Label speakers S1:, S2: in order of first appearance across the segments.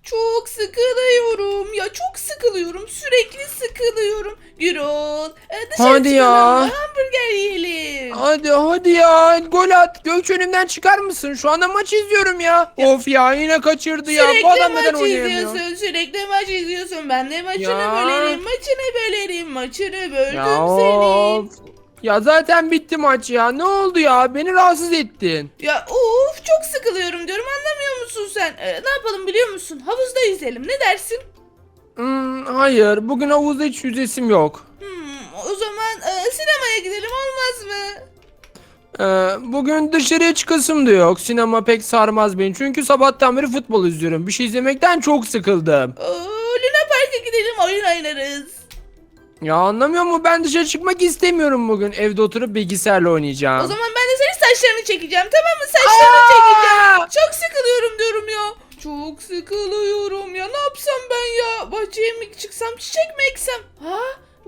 S1: Çok sıkılıyorum. Ya çok sıkılıyorum. Sürekli sıkılıyorum. Gürol, dışarı
S2: Hadi
S1: çıkalım
S2: ya.
S1: mı? Hamburger yiyelim.
S2: Hadi ya. Gol at. Gökçe önümden çıkar mısın? Şu anda maç izliyorum ya.
S1: Ya,
S2: Of ya yine kaçırdı ya. Bu
S1: sürekli
S2: adam neden
S1: maç
S2: oynayamıyor?
S1: izliyorsun. Sürekli maç izliyorsun. Ben de maçını
S2: Ya.
S1: bölerim. Maçını bölerim. Maçını
S2: Ya
S1: böldüm
S2: of.
S1: senin.
S2: Ya zaten bitti maç ya. Ne oldu ya? Beni rahatsız ettin.
S1: Ya of, çok sıkılıyorum diyorum, anlamıyor musun sen? Ne yapalım biliyor musun? Havuzda yüzelim, ne dersin?
S2: Hayır. Bugün havuzda hiç yüzesim yok.
S1: O zaman sinemaya gidelim, olmaz mı?
S2: Bugün dışarıya çıkasım da yok. Sinema pek sarmaz beni. Çünkü sabahtan beri futbol izliyorum. Bir şey izlemekten çok sıkıldım.
S1: Luna Park'a gidelim, oyun oynarız.
S2: Ya anlamıyor musun? Ben dışarı çıkmak istemiyorum bugün. Evde oturup bilgisayarla
S1: O
S2: oynayacağım.
S1: zaman ben de senin saçlarını çekeceğim, tamam mı? Saçlarını çekeceğim.
S2: Aa!
S1: Çok sıkılıyorum diyorum ya. Çok sıkılıyorum ya. Ne yapsam ben ya? Bahçeye mi çıksam, çiçek mi eksem? Ha?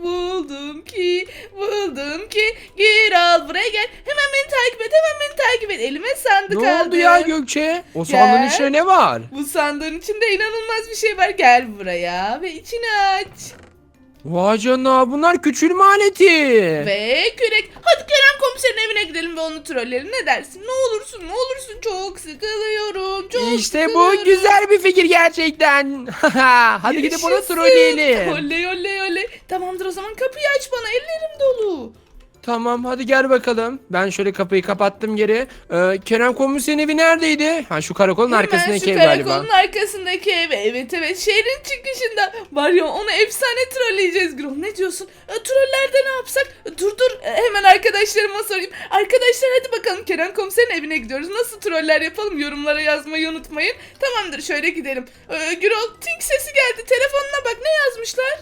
S1: Buldum ki. Gir al, buraya gel. Hemen beni takip et, hemen beni takip et. Elime sandık
S2: Ne
S1: aldım.
S2: oldu ya Gökçe? O sandığın
S1: Gel.
S2: içinde ne var?
S1: Bu sandığın içinde inanılmaz bir şey var. Gel buraya ve içini aç.
S2: Vay canına bunlar küçülme aleti.
S1: Ve kürek. Hadi Kerem komiserin evine gidelim ve onu trolleyelim. Ne dersin? Ne olursun. Çok sıkılıyorum. Çok
S2: İşte
S1: sıkılıyorum.
S2: bu güzel bir fikir gerçekten. Hadi gidip onu
S1: Yaşasın.
S2: trolleyelim.
S1: Oley. Tamamdır, o zaman kapıyı aç bana. Ellerim dolu.
S2: Tamam hadi gel bakalım. Ben şöyle kapıyı kapattım geri. Kerem komiserin evi neredeydi? Ha şu karakolun
S1: Hemen
S2: arkasındaki
S1: şu
S2: ev galiba.
S1: karakolun arkasındaki ev. Evet, şehrin çıkışında. Var ya, onu efsane trolleyeceğiz Gürol. Ne diyorsun? Trollerde ne yapsak? Dur, hemen arkadaşlarıma sorayım. Arkadaşlar hadi bakalım, Kerem komiserin evine gidiyoruz. Nasıl troller yapalım? Yorumlara yazmayı unutmayın. Tamamdır, şöyle gidelim. Gürol, ting sesi geldi. Telefonuna bak, ne yazmışlar?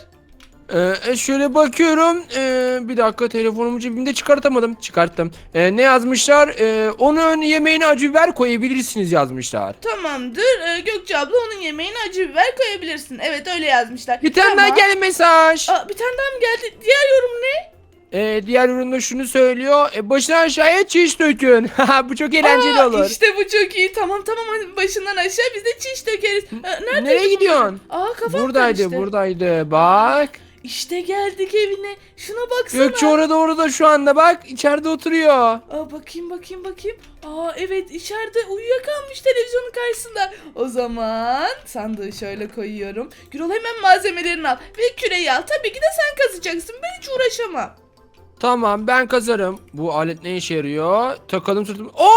S2: Şöyle bakıyorum. Bir dakika telefonumu cebimde çıkartamadım. Çıkarttım. Ne yazmışlar? Onun yemeğine acı biber koyabilirsiniz yazmışlar.
S1: Tamamdır. Gökçe abla, onun yemeğine acı biber koyabilirsin. Evet, öyle yazmışlar.
S2: Bir tane daha
S1: Tamam.
S2: geldi mesaj.
S1: Bir tane daha mı geldi? Diğer yorum ne?
S2: Diğer üründe şunu söylüyor. Başına aşağıya çiş dökün. Bu çok eğlenceli olur.
S1: İşte bu çok iyi. Tamam, hadi başından aşağı biz de çiş dökeriz. Neredeydi
S2: Nereye gidiyorsun?
S1: Kafam
S2: Buradaydı,
S1: karıştı.
S2: buradaydı. Bak.
S1: İşte geldik evine. Şuna baksana.
S2: Gökçe orada şu anda bak. İçeride oturuyor.
S1: Bakayım. Evet, içeride uyuyakalmış televizyonun karşısında. O zaman sandığı şöyle koyuyorum. Gürol, hemen malzemelerini al ve küreyi al. Tabii ki de sen kazacaksın. Ben hiç uğraşamam.
S2: Tamam ben kazarım. Bu alet ne işe yarıyor? Takalım sırtım. Oo!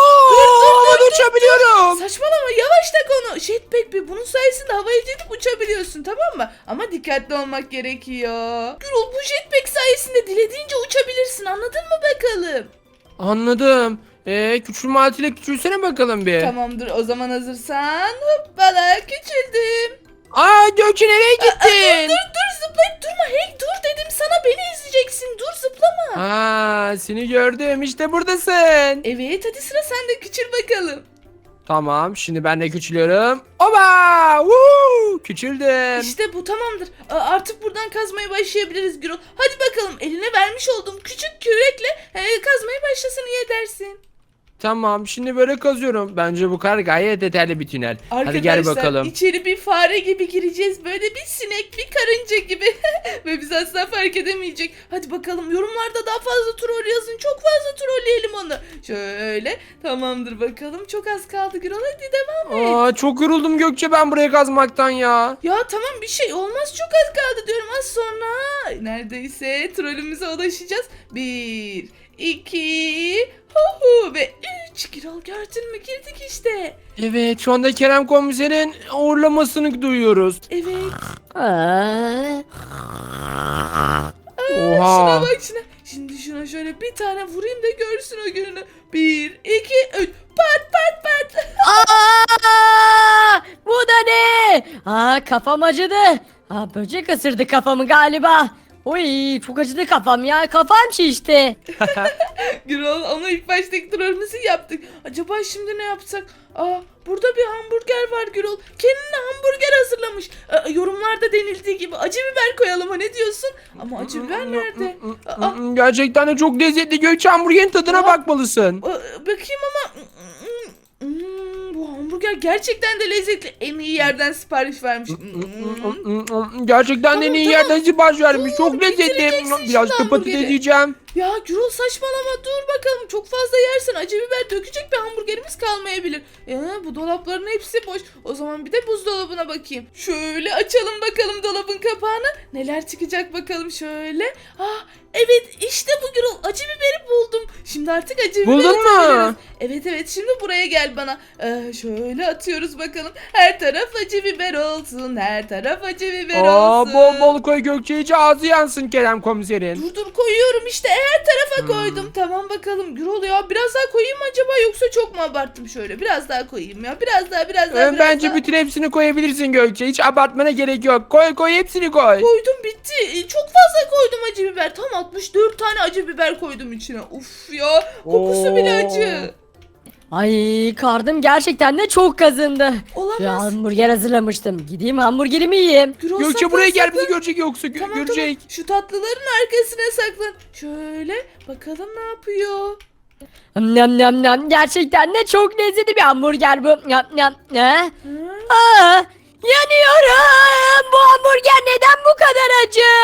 S1: dur,
S2: Havada uçabiliyorum.
S1: Saçmalama, yavaş tak onu. Jetpack bir, bunun sayesinde havaya gidip uçabiliyorsun, tamam mı? Ama dikkatli olmak gerekiyor. Gürol, bu jetpack sayesinde dilediğince uçabilirsin, anladın mı bakalım?
S2: Anladım. Küçülme aletiyle küçülsene bakalım bir.
S1: Tamamdır, o zaman hazırsan hoppala, küçüldüm.
S2: Gökçe nereye gittin?
S1: Dur, zıplayıp durma. Hey dur dedim sana, beni izleyeceksin. Dur, zıplama.
S2: Seni gördüm işte buradasın.
S1: Evet, hadi sıra sende, küçül bakalım.
S2: Tamam şimdi ben de küçülüyorum. Oba! Woo! Küçüldüm.
S1: İşte bu, tamamdır. Artık buradan kazmaya başlayabiliriz Gürol. Hadi bakalım, eline vermiş olduğum küçük kürekle kazmaya başlasın, iyi edersin.
S2: Tamam şimdi böyle kazıyorum. Bence bu kadar gayet yeterli bir tünel. Hadi gel
S1: Arkadaşlar,
S2: bakalım.
S1: içeri bir fare gibi gireceğiz. Böyle bir sinek, bir karınca gibi. Ve biz asla fark edemeyecek. Hadi bakalım, yorumlarda daha fazla troll yazın. Çok fazla trolleyelim onu. Şöyle, tamamdır bakalım. Çok az kaldı Gürol, hadi devam et.
S2: Çok yoruldum Gökçe ben buraya kazmaktan ya.
S1: Ya tamam, bir şey olmaz, çok az kaldı diyorum, az sonra. Neredeyse trollümüze ulaşacağız. 1, 2, ve 3. Gürol, gördün mü, girdik işte.
S2: Evet şu anda Kerem komiserin uğurlamasını duyuyoruz.
S1: Evet. Şuna
S2: Oha.
S1: bak şuna. Şimdi şuna şöyle bir tane vurayım da görsün o gününü. 1, 2, 3. Pat.
S3: Bu da ne? Kafam acıdı. Böcek ısırdı kafamı galiba. Oy çok acıdı kafam ya. Kafam şişti.
S1: Gürol, ama ilk baştaki trollümüzü yaptık. Acaba şimdi ne yapsak? Burada bir hamburger var Gürol. Kendine hamburger hazırlamış. Yorumlarda denildiği gibi acı biber koyalım, ha, ne diyorsun? Ama acı biber nerede?
S2: Gerçekten de çok lezzetli Gökçe hamburgerin tadına
S1: Aa.
S2: bakmalısın.
S1: Bakayım ama bu hamburger hamburger gerçekten de lezzetli. En iyi yerden sipariş vermiş.
S2: Gerçekten de en iyi
S1: Tamam.
S2: yerden sipariş vermiş. Çok
S1: bitireceksin
S2: lezzetli.
S1: şimdi
S2: Biraz da patates
S1: hamburgeri.
S2: yiyeceğim.
S1: Ya Gürol saçmalama dur bakalım. Çok fazla yersen acı biber dökecek bir hamburgerimiz kalmayabilir. Bu dolapların hepsi boş. O zaman bir de buzdolabına bakayım. Şöyle açalım bakalım dolabın kapağını. Neler çıkacak bakalım şöyle. Evet işte bu Gürol. Acı biberi buldum. Şimdi artık acı biberi
S2: Buldun mu?
S1: atabiliriz. Evet şimdi buraya gel bana. Şöyle atıyoruz bakalım. Her taraf acı biber olsun. Her taraf acı biber olsun.
S2: Bol bol koy Gökçe, hiç ağzı yansın Kerem komiserin.
S1: Dur koyuyorum işte her tarafa koydum. Tamam bakalım Gürol ya biraz daha koyayım mı acaba yoksa çok mu abarttım şöyle? Biraz daha koyayım ya biraz daha.
S2: Bence bütün hepsini koyabilirsin Gökçe. Hiç abartmana gerek yok. Koy hepsini koy.
S1: Koydum bitti. Çok fazla koydum acı biber. Tam 64 tane acı biber koydum içine. Uf ya kokusu bile acı.
S3: Ay karnım gerçekten de çok kazındı.
S1: Olamaz.
S3: Şu hamburger hazırlamıştım. Gideyim hamburgerimi yiyeyim.
S1: Gürol,
S2: Gökçe
S1: saklan,
S2: buraya gel,
S1: saklan.
S2: bizi görecek yoksa
S1: Tamam.
S2: görecek.
S1: Şu tatlıların arkasına saklan. Şöyle bakalım ne yapıyor.
S3: Nam nam nam. Gerçekten de çok lezzetli bir hamburger bu. Nam nam. Ne?
S1: Hı?
S3: Yanıyorum. Bu hamburger neden bu kadar acı?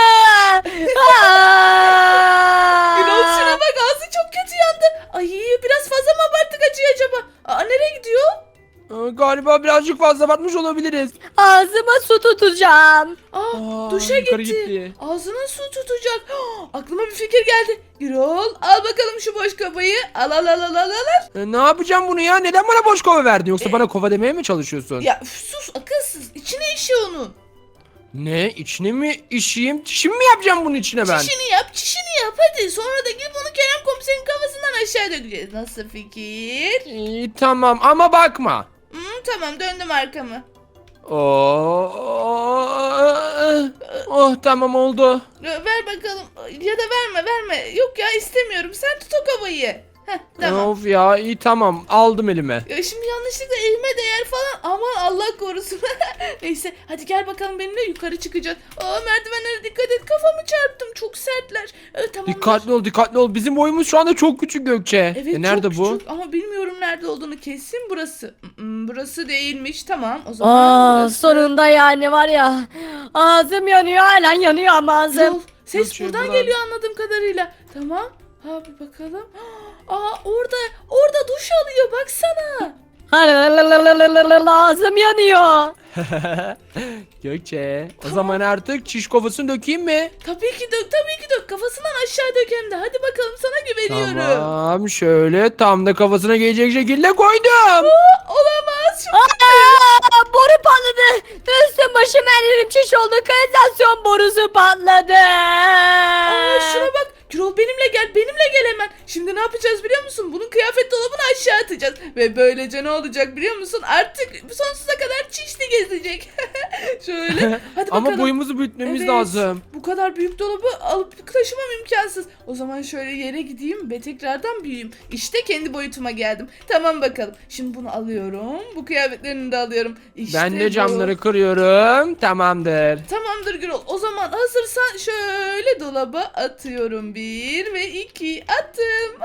S1: Gürol şuna bak ağzı çok kötü yandı. Ay biraz fazla mı abarttık acıyı acaba? Nereye gidiyor?
S2: Galiba birazcık fazla batmış olabiliriz.
S3: Ağzıma su tutacağım.
S1: Duşa
S2: yukarı
S1: gitti.
S2: gitti.
S1: Ağzına su tutacak. Aklıma bir fikir geldi. Gürol al bakalım şu boş kovayı. Al.
S2: Ne yapacağım bunu ya? Neden bana boş kova verdin? Yoksa bana kova demeye mi çalışıyorsun?
S1: Ya sus akılsız. İçine işi onun.
S2: Ne? İçine mi işeyim? Çişimi mi yapacağım bunun içine ben?
S1: Çişini yap hadi. Sonra da gidip onu Kerem komiserin kafasından aşağı dökeceğiz. Nasıl fikir?
S2: İyi, tamam ama bakma.
S1: Tamam döndüm arkamı.
S2: Oh tamam oldu.
S1: Ver bakalım. Ya da verme. Yok ya istemiyorum. Sen tut o kovayı. Tamam.
S2: Of ya, iyi tamam, aldım elime.
S1: Şimdi yanlışlıkla elime değer falan. Aman Allah korusun. Neyse hadi gel bakalım benimle yukarı çıkacağız. Merdivenlere dikkat et. Kafamı çarptım. Çok sertler. Tamam.
S2: Dikkatli ol. Bizim boyumuz şu anda çok küçük Gökçe.
S1: Evet
S2: Nerede
S1: çok
S2: bu?
S1: küçük ama bilmiyorum nerede olduğunu. Kesin burası. Burası değilmiş. Tamam o zaman burası.
S3: Sonunda yani var ya. Ağzım yanıyor, hala yanıyor ama ağzım.
S1: Yol. Ses
S2: Gökçe,
S1: buradan
S2: buradan.
S1: geliyor anladığım kadarıyla. Tamam. Bir bakalım. Orada duş alıyor baksana.
S3: Ağzım yanıyor.
S2: Gökçe, o zaman artık çiş kovasını dökeyim mi?
S1: Tabii ki dök. Kafasından aşağı dök hem de. Hadi bakalım sana güveniyorum.
S2: Tamam, şöyle tam da kafasına gelecek şekilde koydum.
S1: Olamaz.
S3: Boru patladı. Üstüm başım her yerim şiş oldu. Kanalizasyon borusu patladı.
S1: Şuna bak. Gürol benimle gel hemen. Şimdi ne yapacağız biliyor musun? Bunun kıyafet dolabını aşağı atacağız. Ve böylece ne olacak biliyor musun? Artık sonsuza kadar çişli gezecek. Şöyle hadi bakalım.
S2: Ama boyumuzu büyütmemiz
S1: Evet,
S2: lazım.
S1: Bu kadar büyük dolabı alıp taşımam imkansız. O zaman şöyle yere gideyim ve tekrardan büyüyeyim. İşte kendi boyutuma geldim. Tamam bakalım. Şimdi bunu alıyorum. Bu kıyafetlerini de alıyorum. İşte
S2: Ben de
S1: bu.
S2: camları kırıyorum. Tamamdır.
S1: Tamamdır Gürol. O zaman hazırsan şöyle dolaba atıyorum. 1 ve 2 attım.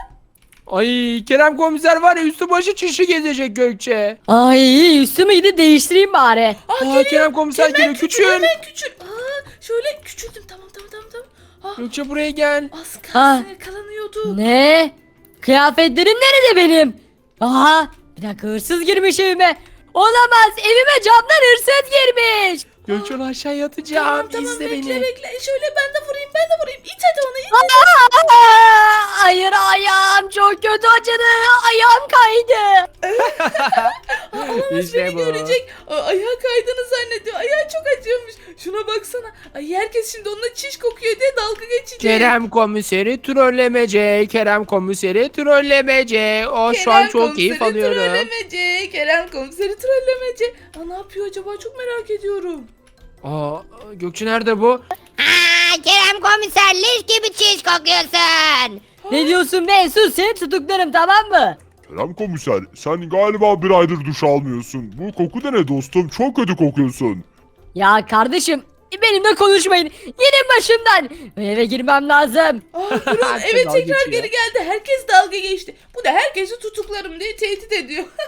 S2: Ay, Kerem komiser var ya, üstü başı çişi gezecek Gökçe.
S3: Ay üstümü gidip değiştireyim bari.
S2: Kerem komiser geliyor, küçül.
S1: Hemen küçül. Şöyle küçüldüm. Tamam.
S2: Gökçe buraya gel.
S1: Az kalsın yakalanıyordu.
S3: Ne? Kıyafetlerim nerede benim? Bir dakika, hırsız girmiş evime. Olamaz, evime camdan hırsız girmiş.
S2: Gökçe, onu aşağıya atacağım.
S1: Tamam
S2: İzle
S1: bekle
S2: beni.
S1: bekle. Şöyle ben de vurayım. İt hadi onu it.
S3: Hayır, ayağım çok kötü acıdı. Ayağım kaydı.
S1: Olamaz
S2: İşte
S1: beni
S2: bu.
S1: görecek. Ayağı kaydığını zannediyor. Ayağı çok acıyormuş. Şuna baksana. Herkes şimdi onunla çiş kokuyor diye dalga geçecek.
S2: Kerem komiseri trollemece. Kerem komiseri trollemece. O şu an çok keyif alıyorum.
S1: Kerem komiseri trollemece. Ne yapıyor acaba? Çok merak ediyorum.
S2: Gökçe nerede bu?
S4: Kerem komiser leş gibi çiş kokuyorsun.
S3: Ne diyorsun be? Sus, seni tutuklarım, tamam mı?
S5: Kerem komiser, sen galiba bir aydır duş almıyorsun. Bu koku da ne dostum? Çok kötü kokuyorsun.
S3: Ya kardeşim, benimle konuşmayın. Gidin başımdan. Eve girmem lazım.
S1: Gürol eve
S2: Dalga
S1: tekrar
S2: geçiyor.
S1: geri geldi. Herkes dalga geçti. Bu da herkesi tutuklarım diye tehdit ediyor.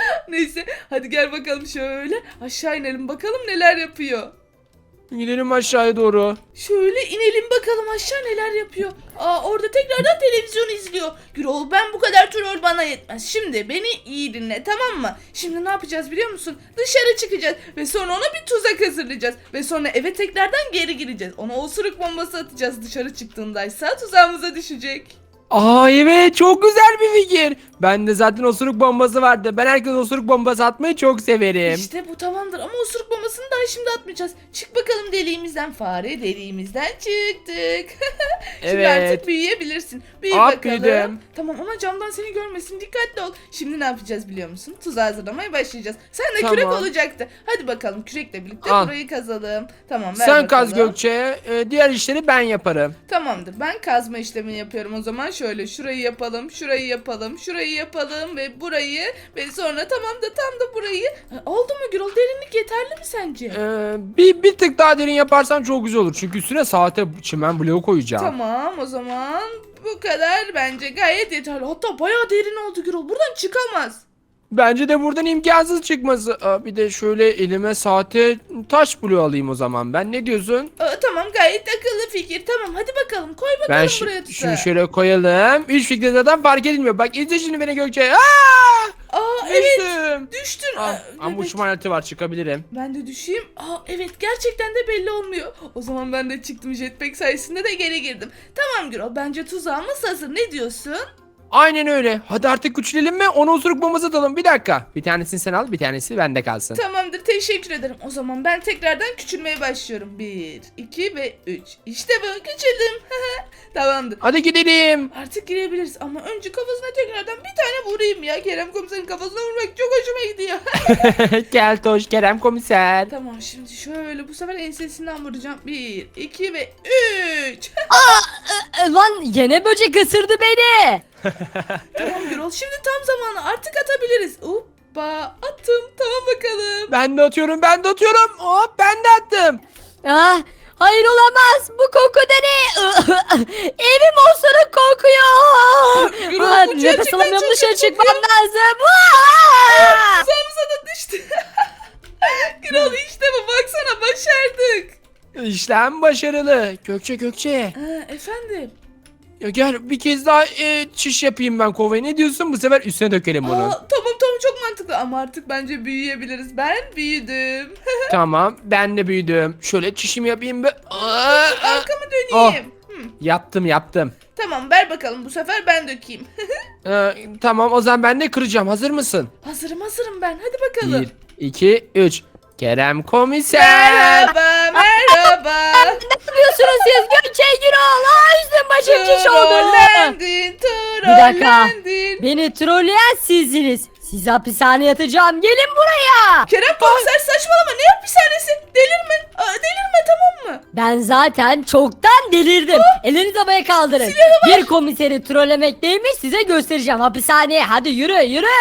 S1: Neyse hadi gel bakalım şöyle aşağı inelim bakalım neler yapıyor.
S2: Gidelim aşağıya doğru.
S1: Şöyle inelim bakalım aşağı neler yapıyor. Orada tekrardan televizyon izliyor. Gürol ben bu kadar troll bana yetmez. Şimdi beni iyi dinle tamam mı? Şimdi ne yapacağız biliyor musun? Dışarı çıkacağız ve sonra ona bir tuzak hazırlayacağız. Ve sonra eve tekrardan geri gireceğiz. Ona osuruk bombası atacağız dışarı çıktığındaysa tuzağımıza düşecek.
S2: Evet, çok güzel bir fikir. Bende zaten osuruk bombası vardı. Ben herkese osuruk bombası atmayı çok severim.
S1: İşte bu tamamdır ama osuruk bombasını daha şimdi atmayacağız. Çık bakalım deliğimizden fare deliğimizden çıktık. Şimdi
S2: Evet.
S1: artık büyüyebilirsin. Büyü
S2: Aa,
S1: bakalım.
S2: büyüdüm.
S1: Tamam ama camdan seni görmesin dikkatli ol. Şimdi ne yapacağız biliyor musun? Tuzağı hazırlamaya başlayacağız. Sen de
S2: Tamam.
S1: kürek olacaktı. Hadi bakalım kürekle birlikte
S2: Al.
S1: burayı kazalım. Tamam ver
S2: Sen kaz
S1: bakalım.
S2: Gökçe. Diğer işleri ben yaparım.
S1: Tamamdır ben kazma işlemini yapıyorum o zaman şöyle şurayı yapalım şurayı yapalım şurayı yapalım ve burayı ve sonra tamam da tam da burayı. Oldu mu Gürol derinlik yeterli mi sence?
S2: Bir tık daha derin yaparsan çok güzel olur. Çünkü üstüne saate çimen bloğu koyacağım.
S1: Tamam o zaman bu kadar bence gayet yeterli. Hatta bayağı derin oldu Gürol. Buradan çıkamaz.
S2: Bence de buradan imkansız çıkması. Bir de şöyle elime saate taş bloğu alayım o zaman. Ben ne diyorsun?
S1: Tamam gayet akıllı fikir. Tamam hadi bakalım koy bakalım
S2: Ben
S1: buraya
S2: şunu
S1: tuzağı.
S2: şöyle koyalım. Üç fikri zaten fark edilmiyor. Bak izle şimdi beni Gökçe.
S1: Evet
S2: Düştüm.
S1: düştün.
S2: Ama
S1: bebek.
S2: uçma aleti var, çıkabilirim.
S1: Ben de düşeyim. Evet gerçekten de belli olmuyor. O zaman ben de çıktım jetpack sayesinde de geri girdim. Tamam Gürol bence tuzağımız hazır. Ne diyorsun?
S2: Aynen öyle. Hadi artık küçülelim mi? Ona osuruk bombası atalım. Bir dakika. Bir tanesini sen al, bir tanesi bende kalsın.
S1: Tamamdır teşekkür ederim. O zaman ben tekrardan küçülmeye başlıyorum. 1, 2 ve 3. İşte bu küçüldüm. Tamamdır.
S2: Hadi gidelim.
S1: Artık girebiliriz ama önce kafasına tekrardan bir tane vurayım ya. Kerem komiserin kafasına vurmak çok hoşuma gidiyor.
S2: Gel Toş Kerem komiser.
S1: Tamam şimdi şöyle bu sefer ensesinden vuracağım. 1, 2 ve 3.
S3: Lan yine böcek ısırdı beni.
S1: Tamam Gürol şimdi tam zamanı artık atabiliriz. Hoppa attım tamam bakalım.
S2: Ben de atıyorum, ben de atıyorum. Hop, ben de attım.
S3: Hayır olamaz. Bu koku da ne? Evim osuruk kokuyor.
S1: Gürol, bu
S3: Nefes
S1: gerçekten
S3: alamıyorum,
S1: çok
S3: dışarı
S1: kötü
S3: çıkmam
S1: kokuyor.
S3: lazım.
S1: Tuzağımıza da düştü. Gürol işte bu baksana başardık.
S2: İşlem başarılı. Gökçe.
S1: Efendim.
S2: Ya gel bir kez daha çiş yapayım ben kovaya. Ne diyorsun? Bu sefer üstüne dökelim bunu.
S1: Tamam çok mantıklı ama artık bence büyüyebiliriz. Ben büyüdüm.
S2: Tamam, ben de büyüdüm. Şöyle çişimi yapayım.
S1: Arkamı döneyim.
S2: Yaptım.
S1: Tamam ver bakalım bu sefer ben dökeyim.
S2: Tamam, o zaman ben de kıracağım. Hazır mısın?
S1: hazırım ben hadi bakalım.
S2: 1, 2, 3. Kerem komiser.
S1: Merhaba.
S3: Ne yapıyorsunuz siz? Gökçe Gürol. Üstüm başım şiş oldu.
S1: Trollendin,
S3: Bir dakika.
S1: trollendin.
S3: Beni trolleyen sizsiniz. Sizi hapishaneye yatacağım. Gelin buraya.
S1: Kerem komiser saçmalama ne hapishanesi? Delirme. Delirme tamam mı?
S3: Ben zaten çoktan delirdim. Elinizi havaya kaldırın. Bir komiseri trollemekteymiş, size göstereceğim hapishaneye. Hadi yürü.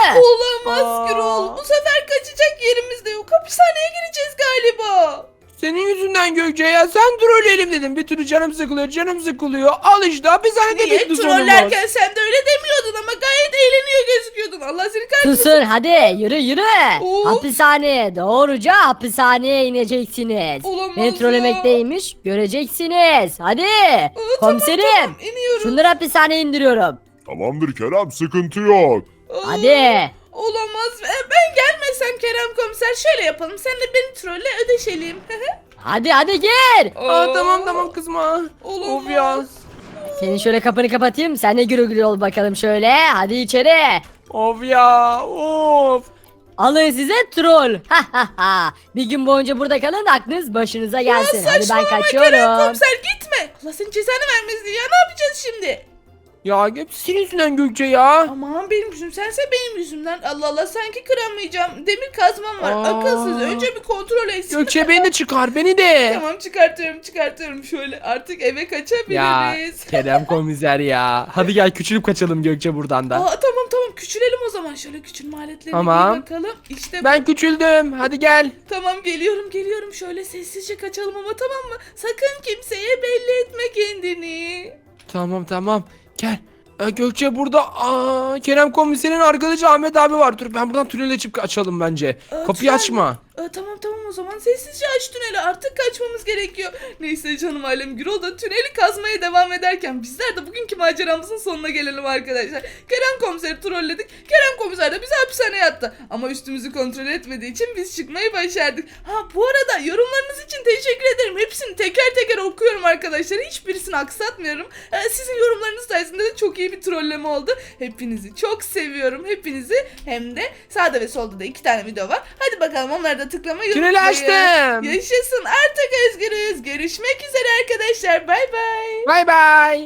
S1: Olamaz Gürol. Bu sefer kaçacak yerimiz de yok. Hapishaneye gireceğiz galiba.
S2: Senin yüzünden Gökçe ya. Sen trolleyelim dedim. Bir türlü canım sıkılıyor. Al işte, hapishanede
S1: Niye
S2: bitti sonumuz.
S1: trollerken sen de öyle demiyordun ama gayet eğleniyor gözüküyordun. Allah seni kahretsin.
S3: Susun hadi yürü.
S1: Of.
S3: Hapishaneye doğruca hapishaneye ineceksiniz.
S1: Olamaz
S3: Beni
S1: ya.
S3: trollemekteymiş, göreceksiniz. Hadi komiserim.
S1: Tamam, iniyorum.
S3: Şunları hapishaneye indiriyorum.
S5: Tamamdır Kerem, sıkıntı yok.
S3: Hadi.
S1: Olamaz. Ben gelmesem Kerem komiser şöyle yapalım. Sen de beni trolle ödeşelim.
S3: Hadi gir.
S2: Tamam kızma.
S1: Olamaz.
S2: Of ya.
S3: Senin şöyle kapını kapatayım. Sen de gürü ol bakalım şöyle. Hadi içeri.
S2: Of ya. Of.
S3: Alın size troll. Bir gün boyunca burada kalın, aklınız başınıza gelsin. Hadi ben
S1: Saçmalama Kerem
S3: kaçıyorum.
S1: komiser gitme. Allah senin cezanı vermesin ya. Ne yapacağız şimdi?
S2: Ya hep senin yüzünden Gökçe ya.
S1: Aman benim yüzüm sense benim yüzümden. Allah Allah sanki kıramayacağım. Demir kazmam var. Akılsız. Önce bir kontrol etsin.
S2: Gökçe beni de çıkar, beni de.
S1: Tamam çıkartıyorum şöyle. Artık eve
S2: Ya
S1: kaçabiliriz.
S2: Kerem komiser ya. Hadi gel küçülüp kaçalım Gökçe buradan da.
S1: Tamam küçülelim o zaman. Şöyle küçülme aletlerine
S2: Tamam.
S1: bir bakalım. İşte bu.
S2: Ben küçüldüm. Hadi gel.
S1: Tamam geliyorum. Şöyle sessizce kaçalım ama tamam mı? Sakın kimseye belli etme kendini.
S2: Tamam. Gel. Gökçe burada Kerem komiserin arkadaşı Ahmet abi var. Dur ben buradan tünele çıkıp açalım bence. Kapıyı
S1: tünel
S2: açma.
S1: mi? Tamam o zaman sessizce aç tüneli, artık kaçmamız gerekiyor. Neyse canım ailem, Gürol da tüneli kazmaya devam ederken bizler de bugünkü maceramızın sonuna gelelim arkadaşlar. Kerem komiseri trolledik. Kerem komiser de bizi hapishaneye attı. Ama üstümüzü kontrol etmediği için biz çıkmayı başardık. Bu arada yorumlarınız için teşekkür ederim. Hepsini teker teker okuyorum arkadaşlar. Hiçbirisini aksatmıyorum. Sizin yorumlarınız sayesinde de çok iyi bir trolleme oldu. Hepinizi çok seviyorum. Hepinizi, hem de sağda ve solda da 2 tane video var. Hadi bakalım onları da tıklamayı
S2: Tüneli
S1: unutmayın.
S2: açtım.
S1: Yaşasın, artık özgürüz. Görüşmek üzere arkadaşlar. Bay bay.
S2: Bay bay.